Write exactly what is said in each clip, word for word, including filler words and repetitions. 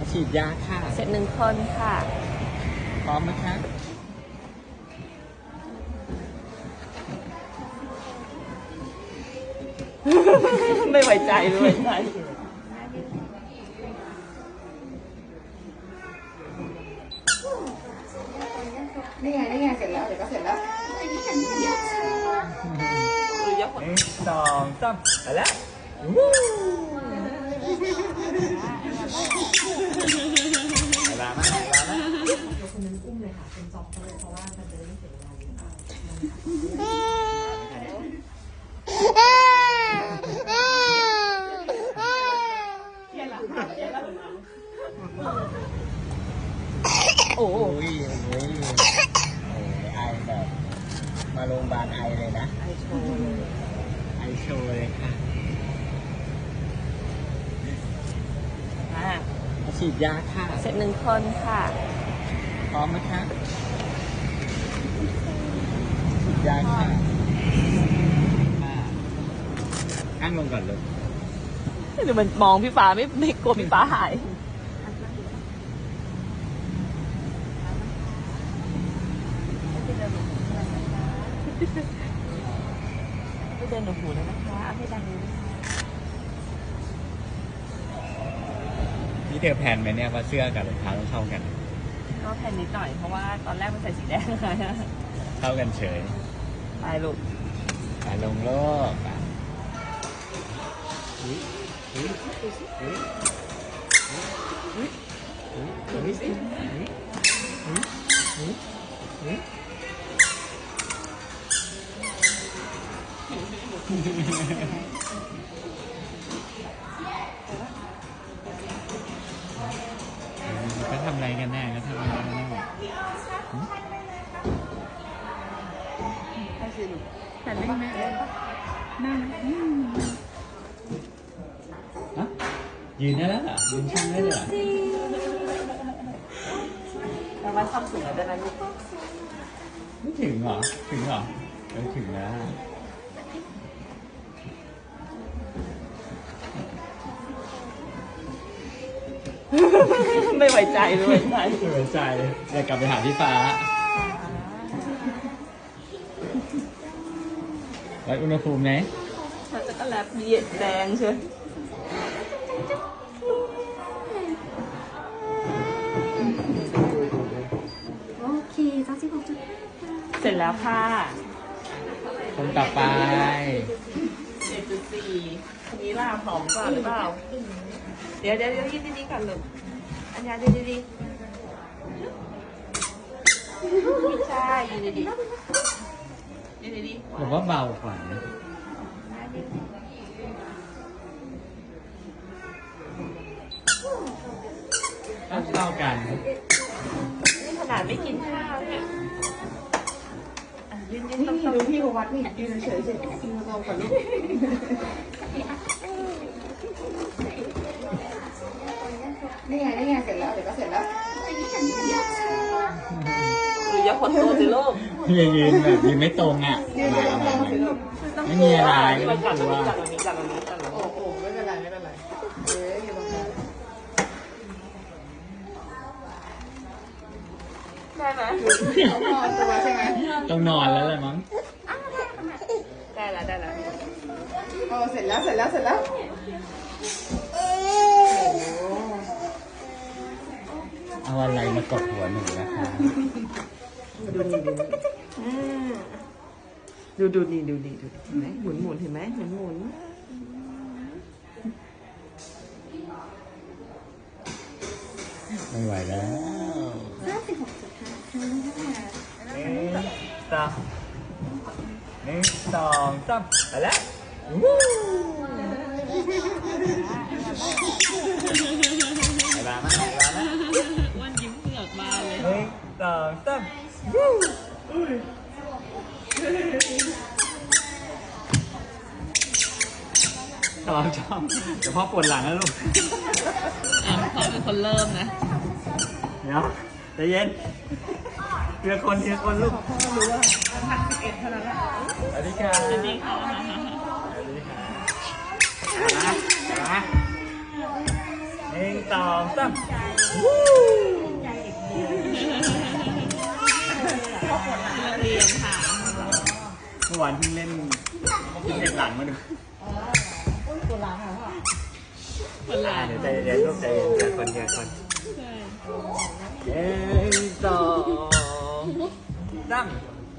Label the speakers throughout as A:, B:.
A: ฉีดยาค่ะ
B: เสร็จหนึ่งคนค่ะ
A: พร้อมไหมคะ
B: ไม่ไว้ใจไม่ไว้ใจ
C: นี่ไงนี่ไงเสร็จแล้วเดี๋ยวก็เสร็จแล้ว
B: หรือยก
A: หนึ่งสองสามไปแล้วเวลามาเวลามา
C: คนนึงอุ้มเลยค่ะเป็นจ็อบเขาเลยเพราะว่ามันจะได้ไม่เสียเวลาเยอะ
B: โอ้โห
A: โอ้ยโอ้ยไอแบบมาโรงพยาบาลไอเลยนะ
B: ไอโชว์เลย
A: ไอโชว์เลยค่ะ
B: อ่ะ
A: ฉีดยาค่ะ
B: เสร็จหนึ่งคนค่ะ
A: พร้อมไหมคะฉีดยาค่ะนั่งลงก่อนเลย
B: หรือมันมองพี่ฟ้าไม่ไม่กลัวพี่ฟ้าหายไม่เดินหนูหูแล้วนะคะเอาให้ดังเลยนะคะ
A: นี่เธอแพนไหมเนี่ยว่าเสื้อกับรองเท้าต้องเข้ากัน
B: ก็แผ่นนิดหน่อยเพราะว่าตอนแรกมันใส่สีแดงเลย
A: เข้ากันเฉย
B: ไปลูก
A: ไปลงโลกอ่ะอุ๊ยอุ๊ยอุ๊ยอุ๊ยอุ๊ยอุ๊ยอุ๊ยอุ๊ยอุ๊ยอุ๊ยก็ทำอะไรกันแน่ก็ทำอะไรกันแน่
C: แต่ไม่แม่นั่ง
A: ฮะยืนได้แล้วเหรอยืนช่างได้เลยเหรอ
B: แล้วว่าชอบสูงได้ไหมลูก
A: ไม่ถึงเหรอถึงเหรอเออถึงแล้ว
B: ไม่ไว้ใจไม่ไว้ใจ
A: ไม่ไว้ใจอยากกลับไปหาพี่ฟ้าวัดอุณหภูมิไหม
B: เขาจะก็แลบมีแดงเชียว
C: โอเคจ้าสิบหกจุดห้า
B: เสร็จแล้วค่ะ
A: คนต่อไป
B: เจ็ดจุดสี่อันนี้ล่าหอมกว่าหรือเปล่าเดี๋ยวเดี๋ยวเดี๋ยวยืนดีๆก่อนลูกอันนี้ยืนดีๆไม่ใช่ยืนดีๆยืนดีๆ
A: ผมว่าเบากว่านะอ่ะเท่ากัน
B: นี่ขนาดไม่กินข้าวเนี่ยอ่ะยืนยืน
C: นี่
B: ต้อง
C: นี่ดูพี่เขาวัดนี่ยืนเฉยๆเฉยๆยืนตรงกับลูกนี่ไงนี่ไงเสร็จแล้วเดี๋ยวก็เสร็จแล้ว
B: หรืออย่าขดตัวสิลูก
A: ยืนยืนแบบยืนไม่ตรงอ่ะ
C: ยืนตรงตรงสิลูก
A: ไม่มีอะไร
B: มันกัดตรง
A: ว่า
B: นี้กัดตรงนี้กัดตรงนี้กัดตรง
C: โอ้
B: นี้
C: โหไม่เป็นไรไม่เป็นไรเอ๊ะอยู่ตรงนั้น
B: ได้ไหม
C: เขานอนตัวใช่ไหม
A: ต้องนอนแล้วแหละมั้ง
B: ได้แล้วได้แล้ว
C: โอ้เสร็จแล้วเสร็จแล้วเสร็จแล้วโอ้โห
A: เอาอะไรมากดหัวหนูนะคะ
C: ดูนี่ดูนี่
B: อืมดูดูนี่ดูนี่ดูเห็นไหมหมุนหมุนเห็นไหมหมุนหมุน
A: ไม่ไหวแล้ว
C: ห้าสิบหกจุดห้าค่ะ
A: หนึ่งสองหนึ่งสองสามไปแล้ววู้เวลามาเวลามา
B: วันยิ้มเหงือกมาเลย
A: หนึ่งสองสามวู้ชอบชอบเดี๋ยวพ่อปวดหลังนะลูก
B: อ่ะเขาเป็นคนเริ่มนะ
A: เดี๋ยวใจเย็นเพื่อคนเพื่อคนลูก
C: พ่อรู้ว่าหนักสิบเอ็ดเท่านั้นแหละ
A: สวัสดีค่ะ
B: สวัสดีค่ะ
A: สวัสดีค่ะมามาหนึ่นึ่งสองสาม
B: เรียนค่ะ
A: เมื่อวานเพิ่งเล่นพิเศษหลังมาดู
B: คนละ
A: เดี๋ยวใจเย็นลูกใจเย็นเดี๋ยวคนเดียวคนหนึ่งสองสาม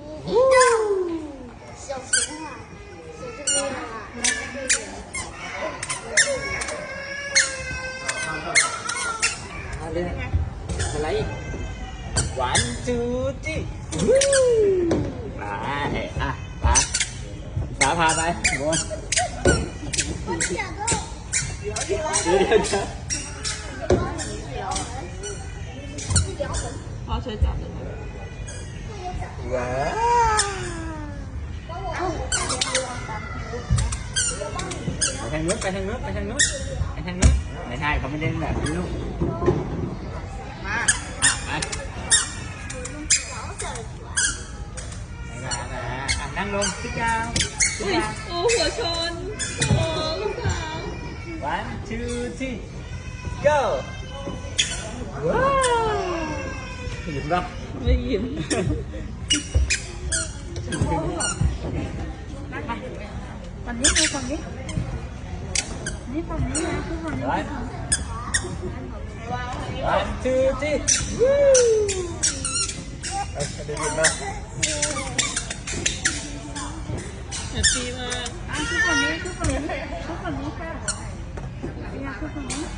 D: 小熊啊，小这边啊，
A: มาเลยอะไรอีก one two three ไปอ่ะไปสาพาไปบน
D: 我想到
A: เดี๋ยวเดี๋ยวจะ
B: พ่อช่วยจับเลยนะ
A: ว้าวไปทางนู้นไปทางนู้นไปทางนู้นไปทางนู้นไม่ใช่เขาไม่เล่นแบบนี้ลูก
C: มา
A: อ่ะไป
D: 小小的船，
A: ไปมามาอ่ะนั่งลงพี่เจ้าพี่
B: อุ้ย
A: เจ้า
B: โอ้หัวชนโอ้ลูกสาว
A: one two three go ว้าวเห็นปะ
B: ไม่ยิ้ม
C: ฝั่งนี้ไปฝั่งนี้นี่ฝั่งนี้นะคือฝั่งนี้
A: one one two three เอ้ยได้ยินปะ
B: แฮปปี้มาก
C: อ่ะคือฝั่งนี้คือฝั่งนี้คือฝั่งนี้ค่ะเนี่ยคือฝั่งนี้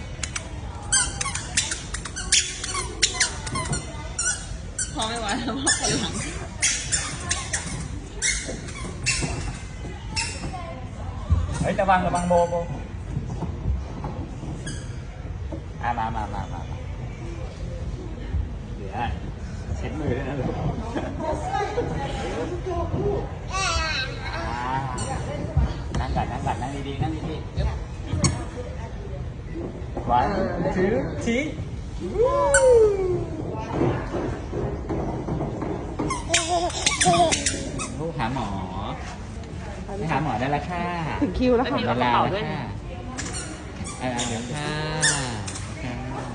B: พ่อไม่ไหวแล้วพ่อคนหลัง
A: เฮ้ยระวังระวังโบโบอ่ะมามามามามาเดี๋ยวเช็ดมือด้วยนะลูกอ่านั่งก่อนนั่งก่อนนั่งดีๆนั่งดีๆ one two three ลูกหาหมอไปหาหมอได้แล้วค่ะ
C: ถึงคิวแล้ว
A: ถึ
C: ค่ะ
A: งเวลาแล้วค่ะเออเดี๋ยวค่ะค่ะ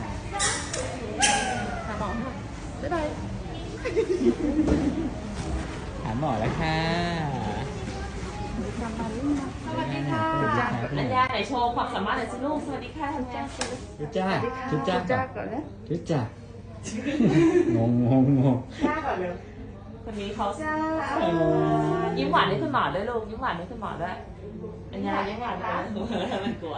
C: หาหมอค่ะบ๊ายบาย
A: หาหมอแล้วค่ะ
B: สวัสดีค่ะอัญญาไหนโชว์ความสามารถหน่อยสิลูกสวัสดีค่ะอัญญา
A: จุ๊จ้าจุ๊จ้า
C: จ้าก่อนนะ
A: จุ๊จ้างงงงงง
C: จ้าก่อนเร็ว
B: คนนี้เขา
C: จ้า
B: ยิ้มหวานให้คุณหมอด้วยลูกยิ้มหวานให้คุณหมอด้วยอัญญายิ้มหวานนะมันกลัว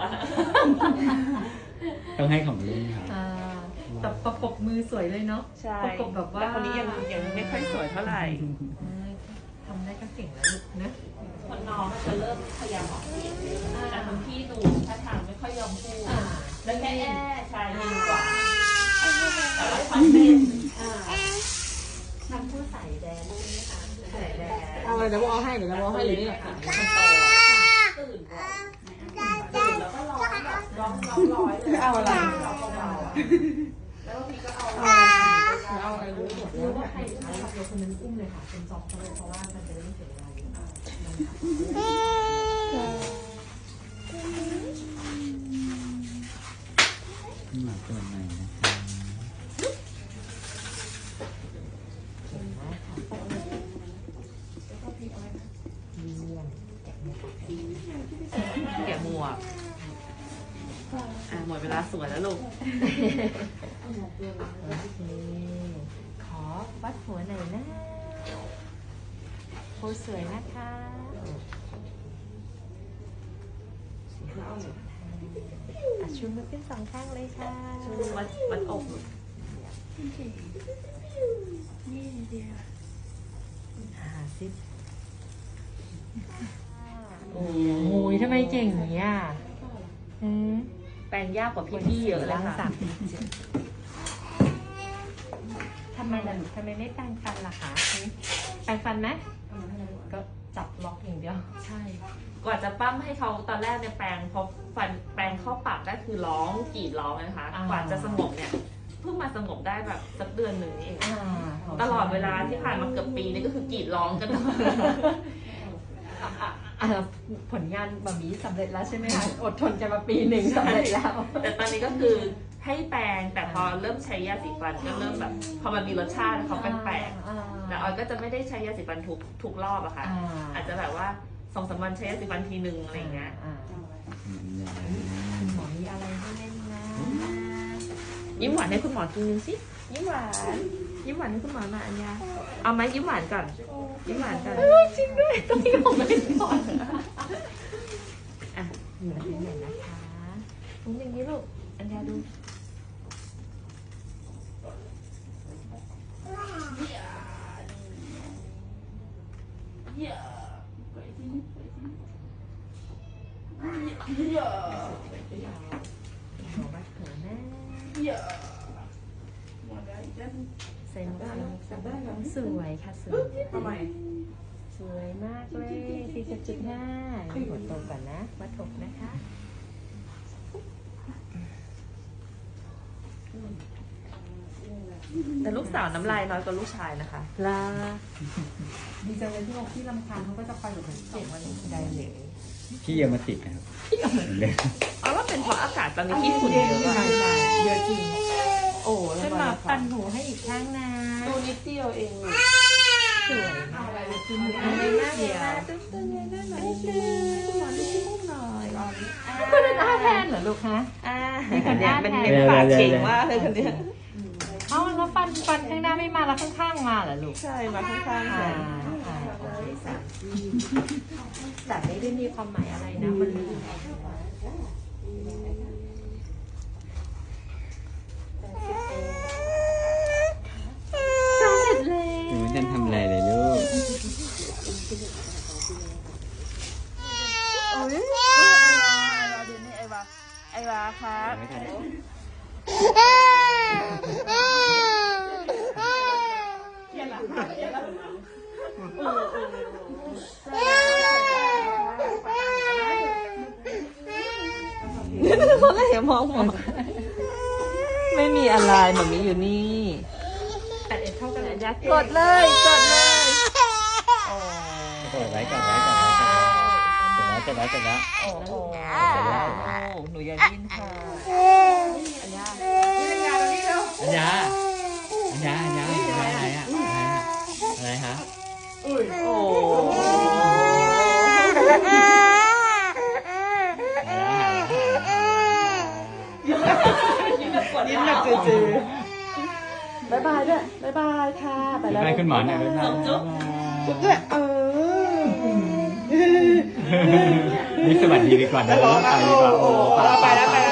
A: ต้องให้ของลุงครับ
E: อ่าแต่ประกบมือสวยเลยเนาะ
B: ใช่
E: ประกบแบบว่า
B: แต่คนนี้ยังยังไม่ค่อยสวยเท่าไหร่
E: เอ้ยทำได้ก็เก่งแล้วลูกนะ
B: คนน้องจะเริ่มพยายามออกเสียงแต่คนพี่ดูท่าทางไม่ค่อยยอมพูดแล้วแม่ใช่ดีกว่าแต่ว่าชอบเต้น
E: ทำผู้ใส่แดงใช่ไหมคะใส่แดง
C: เอาอะไรเดี๋ยวเอาให้เดี๋ยวเอาให้อยู่นี่แหละ
B: คนโตตื่นก่อนตื่นแล้วก็ร้องแบบร้องร้องร้อยเลย
C: เอาอะไร
B: ร้องเบาๆอะแล้วบางทีก็เอา
C: เอาอะไรรู้หมด
E: รู้ว่าใครใครขับรถคนนั้นอุ้มเลยค่ะเป็นจอบเขาเลยเพราะว่ามันจะได้ไม่เสียเวลาเยอะ
A: หมาตัวใหม่นะครับ
B: แกะหมวกอ่ะหมดเวลาสวยแล้วลูก
E: โอเคขอวัดหัวหน่อยนะโพสสวยนะคะอ่ะชูมือขึ้นสองข้างเลยค่ะ
B: ชูวัดวัดอก
E: หาซิปโอ้ยทำไมเก่งอย่างนี้อ่ะอืม
B: แปลงยากกว่าพี่ๆเยอะเลย
E: ล้าง
B: ค่ะ
E: สามทำไมล่ะลูกทำไมไม่แปรงฟันล่ะคะอืมแปรงฟันไหมก็จับล็อกอย่างเดียว
B: ใช่ กว่าจะปั้มให้เขาตอนแรกเนี่ยแปลงพอฟันแปลงเข้าปากได้คือร้องกรีดร้องนะคะ
E: อ่า
B: กว่าจะสงบเนี่ยเพิ่งมาสงบได้แบบสักเดือนหนึ่งนี่เอง
E: อ่า
B: ตลอดเวลาที่ผ่านมาเกือบปีนี่ก็คือกรีดร้องกัน
E: อ่าผลงานบะหมี่สำเร็จแล้วใช่ไหมคะอดทนกันมาปีหนึ่งสำเร็จแล้ว
B: แต่ตอนนี้ก็คือให้แปรงแต่พอเริ่มใช้ยาสีฟันก็เริ่มแบบพอมันมีรสชาติเขาแปลกๆแต่ออยก็จะไม่ได้ใช้ยาสีฟันทุกทุกรอบอะค่ะ อาจจะแบบว่าสองสามวันใช้ยาสีฟันทีนึงอะไรอย่างเงี้ย
E: คุณหมอมีอะไรให้เล่นนะ
B: ยิ้มหวานให้คุณหมอกินนึงสิยิ้มหวานยิ้มหวานให้คุณหมอหน่อยอันยาเอาไหมยิ้มหวานก่อนยิ้มหวานก่อน
E: จริงด้วยต้องมีของเล่นก่อนอ่ะอยู่ที่ไหนนะคะตรงอย่างนี้ลูกอันยาดูหัวบัดเขินนะใส่หมวกสวยค่ะสวย
C: ทำไม
E: สวยมากเลยสี่สิบจุดห้าหัวโตก่อนนะวัดถกนะคะ
B: แต่ลูกสาวน้ำลายน้อยกว่าลูกชายนะคะ
E: ลาดีจังเลยที่บอกที่ลำคาญเขาก็จะคอยแบบเก็บมันได้เลย
A: พี่เอามาติดนะครับเลย
B: เอาว่าเป็นเพราะอากาศตอนนี้ที่ฝุ่นเยอะ
E: ใช่
B: อะ
E: ใช่เยอะจริง
B: โอ้
E: ฉันมาปั่นหูให้อีกข้างนะ
B: ดูนิดเดียวเอง
E: สวยมากเลยคือหมู
B: อัน
E: ไม่
B: นี้
E: น่า
B: น่า
E: เดี
B: เดี
E: ย
B: ยว วตึ๊บตึ๊บเลยได้ไหมคุณหมอดูที่มุมหน่อย
E: คุณเป็นอาแทนเหรอลูกฮะ
B: อ่า
E: มีคนอ้าแทน
B: เป็นปากเก่งมากเลยคนเนี้ย
E: เอ้าแล้วฟันฟันข้างหน้าไม่มาแล้วข้างๆมาเหรอลูก
B: ใช่มาข้างๆ
E: อ่า
B: กัน
E: อ่าโอเคสามแต่ไม่ได้มีความหมายอะไรนะมันสำเร็จแล้ว
A: หนูจะทำอะไรเลยลูก
B: โอ้ยไอวาดูนี่ไอวาไอวาครับ
A: ไม่ทัน
B: เพราะอะไรอะมองมองไม่มีอะไรหมามีอยู่นี่
E: แต่เอ็ดเท่ากันเลยยักษ์
B: กดเลยกดเลยโอ้
A: กดไว้กดไว้กดไว้กดไว้กดไว้กดไว้
B: โอ้โหหนูอย่าดิ้นค่ะอันยา
A: อัญญาอัญญาอัญญาอะไรอะไรอะอะไรอะอะไรฮะ
B: โอ้
A: หายแล้วหายแล้วหายแล้ว
B: ยิ้มแบบจืดๆบายบายด้วยบายบายค่ะไปแล้ว
A: ให้คุณหมอหน่อยบ๊ายบาย
B: จุ๊บ
C: จุ๊บด้วยเออ
A: นี่สวัสดีดีกว่านะไปดีกว่าโอ้
C: ไปแล้วไปแล้ว